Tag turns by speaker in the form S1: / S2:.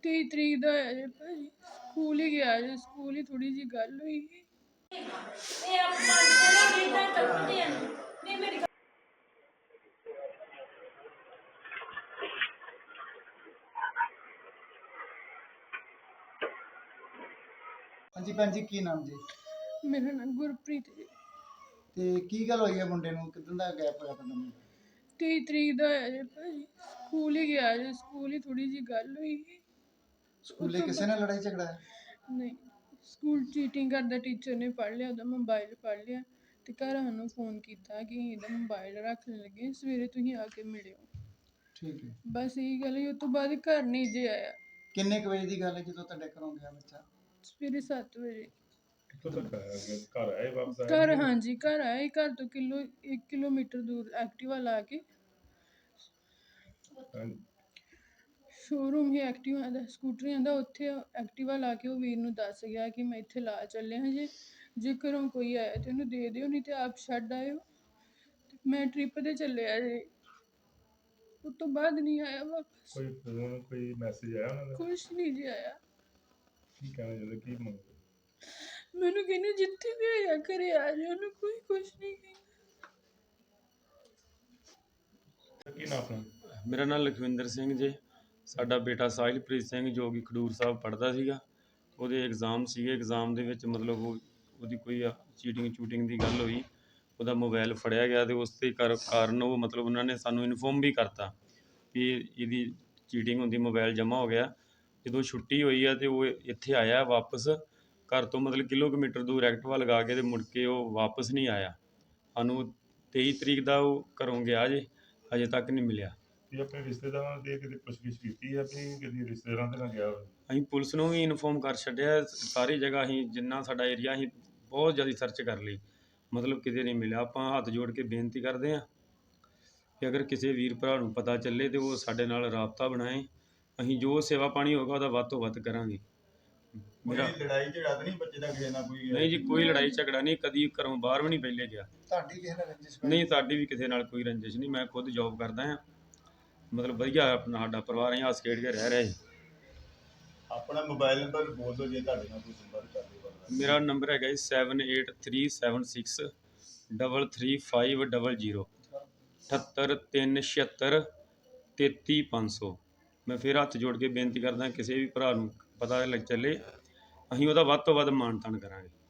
S1: 23 ਤਰੀਕ ਦਾ ਹੋਇਆ ਜੇ ਭਾਜੀ। ਸਕੂਲ ਹੀ ਗਿਆ ਜੇ, ਸਕੂਲ ਹੀ ਥੋੜੀ ਜਿਹੀ ਗੱਲ ਹੋਈ ਸੀ।
S2: ਹਾਂਜੀ ਭੈਣ ਜੀ, ਕੀ ਨਾਮ ਜੀ?
S1: ਮੇਰਾ ਨਾਮ ਗੁਰਪ੍ਰੀਤ ਜੀ।
S2: ਤੇ ਕੀ ਗੱਲ ਹੋਈ ਹੈ ਮੁੰਡੇ ਨੂੰ? ਕਿਦਾਂ ਦਾ ਗੈਪ ਹੋਇਆ ਤੁਹਾਡਾ ਮੁੰਡਾ?
S1: 23 ਤਰੀਕ ਦਾ ਹੋਇਆ ਜੇ ਭਾਜੀ। ਸਕੂਲ ਹੀ ਗਿਆ ਜੇ, ਸਕੂਲ ਹੀ ਥੋੜੀ ਜਿਹੀ ਗੱਲ ਹੋਈ ਸੀ।
S2: ਸਕੂਲੇ ਕਿਸੇ ਨਾਲ ਲੜਾਈ ਝਗੜਾ ਹੈ?
S1: ਨਹੀਂ, ਸਕੂਲ ਚੀਟਿੰਗ ਕਰਦਾ ਟੀਚਰ ਨੇ ਫੜ ਲਿਆ, ਉਹਦਾ ਮੋਬਾਈਲ ਫੜ ਲਿਆ ਤੇ ਘਰ ਸਾਨੂੰ ਫੋਨ ਕੀਤਾ ਕਿ ਇਹਦਾ ਮੋਬਾਈਲ ਰੱਖਣ ਲੱਗੇ, ਸਵੇਰੇ ਤੁਸੀਂ ਆ ਕੇ ਮਿਲਿਓ।
S2: ਠੀਕ ਹੈ।
S1: ਬਸ ਇਹੀ ਗੱਲ ਹੋਈ। ਉਸ ਤੋਂ ਬਾਅਦ ਘਰ ਨਹੀਂ ਜੇ ਆਇਆ।
S2: ਕਿੰਨੇ ਕੁ ਵਜੇ ਦੀ ਗੱਲ ਹੈ ਜਦੋਂ ਤੁਹਾਡੇ ਘਰੋਂ ਗਿਆ ਬੱਚਾ?
S1: ਸਵੇਰੇ 7 ਵਜੇ।
S3: ਕਿੱਥੋਂ ਤੱਕ ਆਇਆ? ਘਰ ਆਏ ਵਾਪਸ ਆਇਆ?
S1: ਘਰ, ਹਾਂਜੀ ਘਰ ਆਇਆ। ਘਰ ਤੋਂ 1 ਕਿਲੋਮੀਟਰ ਦੂਰ ਐਕਟਿਵਾ ਲਾ ਕੇ, ਸ਼ੋਰੂਮ ਹੀ ਐਕਟਿਵਾ ਦਾ, ਸਕੂਟਰੀਆਂ ਦਾ, ਉੱਥੇ ਐਕਟਿਵਾ ਲਾ ਕੇ ਉਹ ਵੀਰ ਨੂੰ ਦੱਸ ਗਿਆ ਕਿ ਮੈਂ ਇੱਥੇ ਲਾ ਚੱਲਿਆ ਜੇ ਘਰੋਂ ਕੋਈ ਆਇਆ ਤੇ ਉਹਨੂੰ ਦੇ ਦਿਓ, ਨਹੀਂ ਤੇ ਆਪ ਛੱਡ ਆਇਓ। ਮੈਂ ਟ੍ਰਿਪ ਤੇ ਚੱਲਿਆ ਜੇ। ਉਸ ਤੋਂ ਬਾਅਦ ਨਹੀਂ ਆਇਆ ਵਾਪਸ।
S3: ਕੋਈ ਫੋਨ, ਕੋਈ ਮੈਸੇਜ ਆਇਆ ਉਹਨਾਂ ਦਾ?
S1: ਕੁਛ ਨਹੀਂ ਜੀ ਆਇਆ।
S3: ਕੀ ਕਹਿਣਾ ਚਾਹੁੰਦੇ, ਕੀ ਮੰਗਦੇ?
S1: ਮੈਨੂੰ ਕਹਿੰਦੇ ਜਿੱਥੇ ਵੀ ਆਇਆ ਘਰੇ ਆ ਜਾ, ਉਹਨੂੰ ਕੋਈ ਕੁਛ ਨਹੀਂ ਕਹਿੰਦਾ।
S3: ਕੀ ਨਾਮ ਆਪਣਾ?
S4: ਮੇਰਾ ਨਾਮ ਲਖਵਿੰਦਰ ਸਿੰਘ ਜੀ। ਸਾਡਾ ਬੇਟਾ ਸਾਹਿਲਪ੍ਰੀਤ ਸਿੰਘ ਜੋ ਕਿ ਖਡੂਰ ਸਾਹਿਬ ਪੜ੍ਹਦਾ ਸੀਗਾ, ਉਹਦੇ ਐਗਜ਼ਾਮ ਸੀਗੇ। ਐਗਜ਼ਾਮ ਦੇ ਵਿੱਚ ਮਤਲਬ ਉਹਦੀ ਕੋਈ ਚੀਟਿੰਗ ਦੀ ਗੱਲ ਹੋਈ, ਉਹਦਾ ਮੋਬਾਈਲ ਫੜਿਆ ਗਿਆ ਤੇ ਉਸ ਦੇ ਕਾਰਨ ਉਹ ਮਤਲਬ ਉਹਨਾਂ ਨੇ ਸਾਨੂੰ ਇਨਫੋਰਮ ਵੀ ਕਰਤਾ ਵੀ ਇਹਦੀ ਚੀਟਿੰਗ ਹੁੰਦੀ, ਮੋਬਾਈਲ ਜਮ੍ਹਾਂ ਹੋ ਗਿਆ। ਜਦੋਂ ਛੁੱਟੀ ਹੋਈ ਆ ਤੇ ਉਹ ਇੱਥੇ ਆਇਆ ਵਾਪਸ ਘਰ ਤੋਂ, ਮਤਲਬ ਕਿਲੋਮੀਟਰ ਦੂਰ ਐਕਟਿਵਾ ਲਗਾ ਕੇ, ਤੇ ਮੁੜ ਕੇ ਉਹ ਵਾਪਸ ਨਹੀਂ ਆਇਆ। ਸਾਨੂੰ 23 ਤਰੀਕ ਦਾ ਉਹ ਘਰੋਂ ਗਿਆ ਜੇ, ਅਜੇ ਤੱਕ ਨਹੀਂ ਮਿਲਿਆ।
S3: ਇਹ ਆਪਣੇ ਰਿਸ਼ਤੇਦਾਰਾਂ ਦੇ ਕਿਤੇ ਪੁੱਛਗਿੱਛ ਕੀਤੀ ਹੈ ਵੀ ਕਿਤੇ ਰਿਸ਼ਤੇਦਾਰਾਂ ਦੇ ਨਾਲ ਗਿਆ ਹੋਵੇ?
S4: ਅਸੀਂ ਪੁਲਿਸ ਨੂੰ ਵੀ ਇਨਫੋਰਮ ਕਰ ਛੱਡਿਆ, ਸਾਰੀ ਜਗ੍ਹਾ ਅਸੀਂ ਜਿੰਨਾ ਸਾਡਾ ਏਰੀਆ ਅਸੀਂ ਬਹੁਤ ਜ਼ਿਆਦਾ ਸਰਚ ਕਰ ਲਈ, ਮਤਲਬ ਕਿਤੇ ਨਹੀਂ ਮਿਲਿਆ। ਆਪਾਂ ਹੱਥ ਜੋੜ ਕੇ ਬੇਨਤੀ ਕਰਦੇ ਹਾਂ ਕਿ ਅਗਰ ਕਿਸੇ ਵੀਰ ਭਰਾ ਨੂੰ ਪਤਾ ਚੱਲੇ ਤੇ ਉਹ ਸਾਡੇ ਨਾਲ ਰਾਬਤਾ ਬਣਾਏ। ਅਸੀਂ ਜੋ ਸੇਵਾ ਪਾਣੀ ਹੋਗਾ ਉਹਦਾ ਵੱਧ ਤੋਂ ਵੱਧ ਕਰਾਂਗੇ।
S5: ਮੇਰਾ ਲੜਾਈ ਝਗੜਾ ਤਾਂ ਨਹੀਂ ਬੱਚੇ ਦਾ ਕਿਸੇ ਨਾਲ ਕੋਈ?
S4: ਨਹੀਂ ਜੀ, ਕੋਈ ਲੜਾਈ ਝਗੜਾ ਨਹੀਂ, ਕਦੀ ਘਰੋਂ ਬਾਹਰ ਵੀ ਨਹੀਂ ਪਹਿਲੇ ਗਿਆ।
S2: ਤੁਹਾਡੀ ਕਿਸੇ ਨਾਲ ਰੰਜਿਸ਼?
S4: ਨਹੀਂ, ਸਾਡੀ ਵੀ ਕਿਸੇ ਨਾਲ ਕੋਈ ਰੰਜਿਸ਼ ਨਹੀਂ। ਮੈਂ ਖੁਦ ਜੌਬ ਕਰਦਾ ਹਾਂ, ਮਤਲਬ ਵਧੀਆ ਆਪਣਾ ਸਾਡਾ ਪਰਿਵਾਰ, ਅਸੀਂ ਹੱਸ ਖੇਡ ਕੇ ਰਹਿ ਰਹੇ।
S5: ਆਪਣਾ ਮੋਬਾਈਲ ਨੰਬਰ ਬੋਲ ਦਿਓ ਜੇ ਤੁਹਾਡੇ ਨਾਲ ਕੋਈ ਸੰਪਰਕ ਕਰਦੇ।
S4: ਮੇਰਾ ਨੰਬਰ ਹੈਗਾ ਜੀ 7837633500 78376 ਮੈਂ ਫਿਰ ਹੱਥ ਜੋੜ ਕੇ ਬੇਨਤੀ ਕਰਦਾ ਕਿਸੇ ਵੀ ਭਰਾ ਨੂੰ ਪਤਾ ਲੱਗ ਚੱਲੇ, ਅਸੀਂ ਉਹਦਾ ਵੱਧ ਤੋਂ ਵੱਧ ਮਾਣ ਤਾਣ ਕਰਾਂਗੇ।